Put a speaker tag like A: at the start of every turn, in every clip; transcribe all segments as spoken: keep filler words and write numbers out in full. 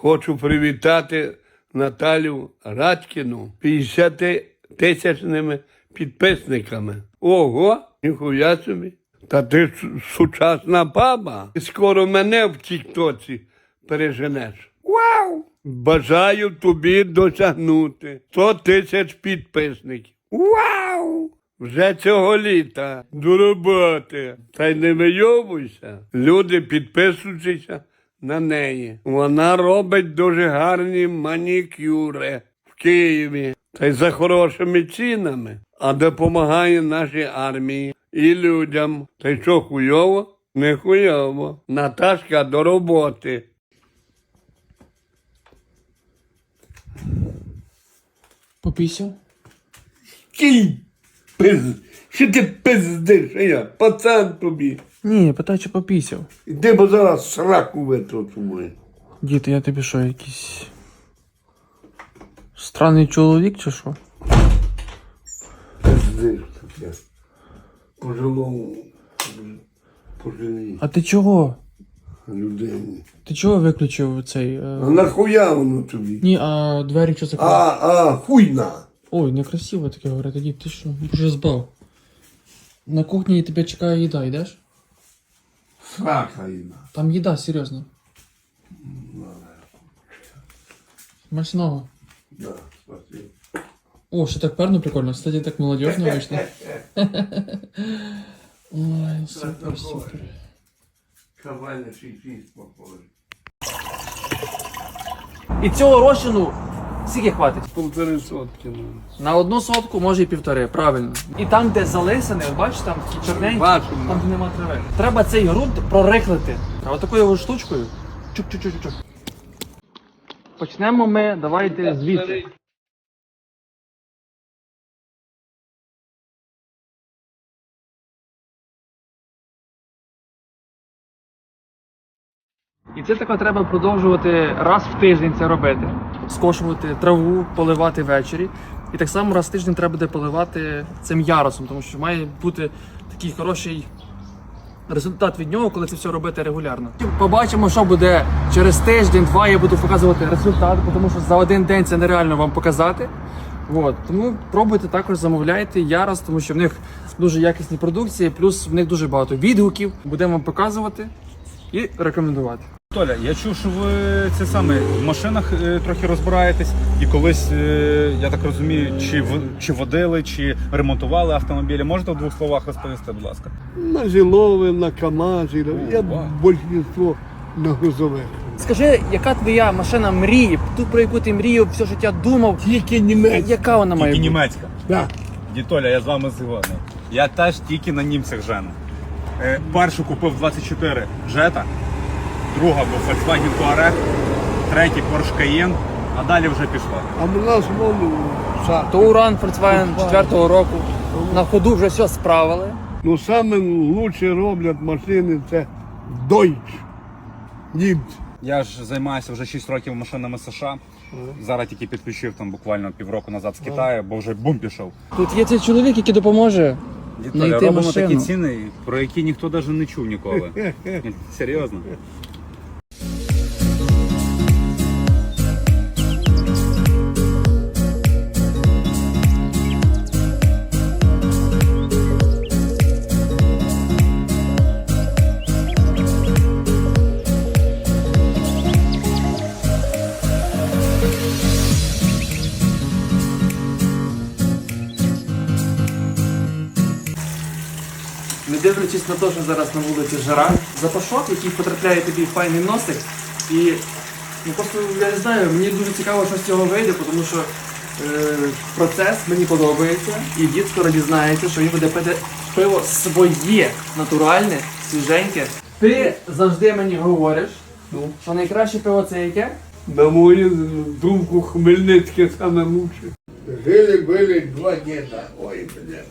A: Хочу привітати Наталю Радькіну п'ятдесятитисячними підписниками. Ого, ніхуя собі. Та ти ж сучасна баба. І скоро мене в тік-тоці переженеш. Вау! Бажаю тобі досягнути сто тисяч підписників. Вау! Вже цього літа. До роботи. Та й не вийовуйся. Люди підписуються на неї. Вона робить дуже гарні манікюри в Києві. Та й за хорошими цінами. А допомагає нашій армії і людям. Та й що, хуйово? Не хуйово. Наташка, до роботи.
B: Попісяв?
A: Кій пиз... Що ти пиздиш, а я? Пацан тобі.
B: Ні, питаю, чи попісяв.
A: Іди, бо зараз сраку витру мою.
B: Діти, я тобі що, якийсь странний чоловік чи що?
A: Пиздиш таке. Пожилому, пожилій
B: А ти чого?
A: людині.
B: Ти чого виключив цей... Е...
A: А нахуя воно тобі?
B: Ні, а двері що закрили?
A: А, а, хуйна.
B: Ой, некрасиво таке говорити, дід, ти що? Боже, збав. На кухні тебе чекає їда, йдеш?
A: Срака їна.
B: Там їда, серйозно. Смачного.
A: Да, спасибо.
B: О, ще так перно прикольно. Кстати, так молодежно вийшло. Ой, супер, супер.
A: Кавайна шість похоже.
B: І цього розчину скільки хватить?
A: Полтори сотки. Ну.
B: На одну сотку, може і півтори, правильно. І там, де залисане, бачиш, там такі чорненькі,
A: Бачимо.
B: там де нема трави. Треба цей ґрунт прорихлити. А отакою от штучкою. Чук-чук-чук-чук. Почнемо ми, давайте звідси. І це тако треба продовжувати раз в тиждень це робити. Скошувати траву, поливати ввечері. І так само раз в тиждень треба буде поливати цим ярусом, тому що має бути такий хороший результат від нього, коли це все робити регулярно. Побачимо, що буде через тиждень-два, я буду показувати результат, тому що за один день це нереально вам показати. От. Тому пробуйте, також замовляйте ярус, тому що в них дуже якісні продукції, плюс в них дуже багато відгуків. Будемо вам показувати і рекомендувати.
C: Толя, я чув, що ви це саме в машинах е, трохи розбираєтесь і колись, е, я так розумію, чи, в, чи водили, чи ремонтували автомобілі. Можете в двох словах розповісти, будь ласка?
A: На Зілові, на КамАЗі, я
C: вау.
A: більшість на грузових.
B: Скажи, яка твоя машина мрії, ту, про яку ти мріяв, все життя думав?
A: Тільки німецька.
B: Яка вона має
C: Тільки
B: бути?
C: німецька.
A: Да.
C: Дітоля, я з вами згодний. Я теж тільки на німцях жену. Е, першу купив двадцять чотири Jetta, друга був Volkswagen Touareg, третій Porsche Cayenne, а далі вже пішло.
A: А в нас воно са.
B: Touran Volkswagen четвертого року. На ходу вже все справили.
A: Ну саме лучше роблять машини це Deutsch. Німці.
C: Я ж займаюся вже шість років машинами США. Зараз тільки підключив там буквально півроку назад з Китаю, бо вже бум пішов.
B: Тут є цей чоловік, який допоможе
C: Дітоля,
B: знайти
C: робимо
B: машину.
C: такі ціни, про які ніхто навіть не чув ніколи. Ні, серйозно.
B: Не дивлячись на те, що зараз на вулиці жара, запашок, який потрапляє тобі в файний носик. І ну, просто я не знаю, мені дуже цікаво, що з цього вийде, тому що е, процес мені подобається. І дід скоро дізнається, що він буде пити пиво своє, натуральне, свіженьке. Ти завжди мені говориш, що найкраще пиво це яке?
A: На мою думку, Хмельницьке саме лучше. Жили-были два діда. Ой, блядь.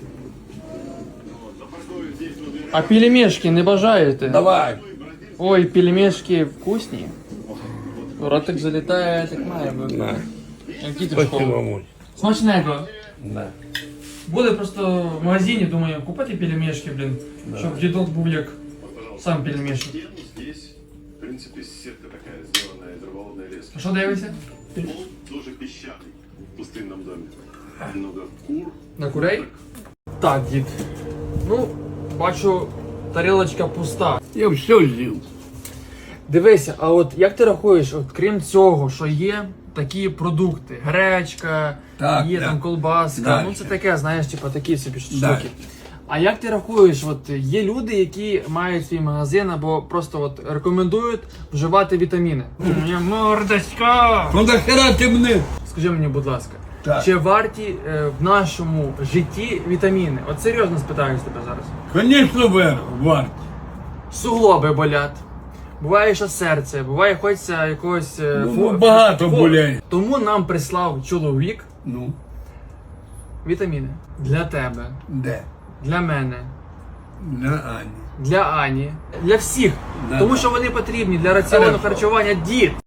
B: А пельмешки не бажаєте?
A: Давай.
B: Ой, пельмешки вкусні. Ротик залітає, так має бути.
A: Да.
B: Які ти
A: Спасибо,
B: школи?
A: мой.
B: Смачненько.
A: Да.
B: Буде просто в магазині, думаю, купити пельмешки, блін, щоб дідок був як сам пельмешник.
D: принципе, сетка такая, сделанная дроволодная леска.
B: Що дивишся?
D: Пол тоже песчаный в пустынном доме. Много кур.
B: На курей? Так, дід. Ну, бачу, тарілочка пуста.
A: Я все з'їв.
B: Дивися, а от як ти рахуєш, от крім цього, що є такі продукти, гречка,
A: Так,
B: є
A: да.
B: там колбаска,
A: Да.
B: ну це таке, знаєш, типу такі собі штуки.
A: Да.
B: А як ти рахуєш, от є люди, які мають свій магазин або просто от рекомендують вживати вітаміни? У мене мордочка!
A: Ну нахера ти мене?
B: Скажи мені, будь ласка,
A: Так.
B: чи варті е, в нашому житті вітаміни? От серйозно спитаюсь тебе зараз.
A: Звісно, вер, варт.
B: Суглоби болять. Буває, що серце, буває, хочеться якогось. е,
A: Ну,
B: фо-
A: ну, багато
B: фо-
A: болять.
B: Тому нам прислав чоловік
A: Ну,
B: вітаміни для тебе,
A: де?
B: для мене,
A: На Ані.
B: для Ані, для всіх.
A: Да.
B: Тому що вони потрібні для раціону
A: Хорошо.
B: харчування діт.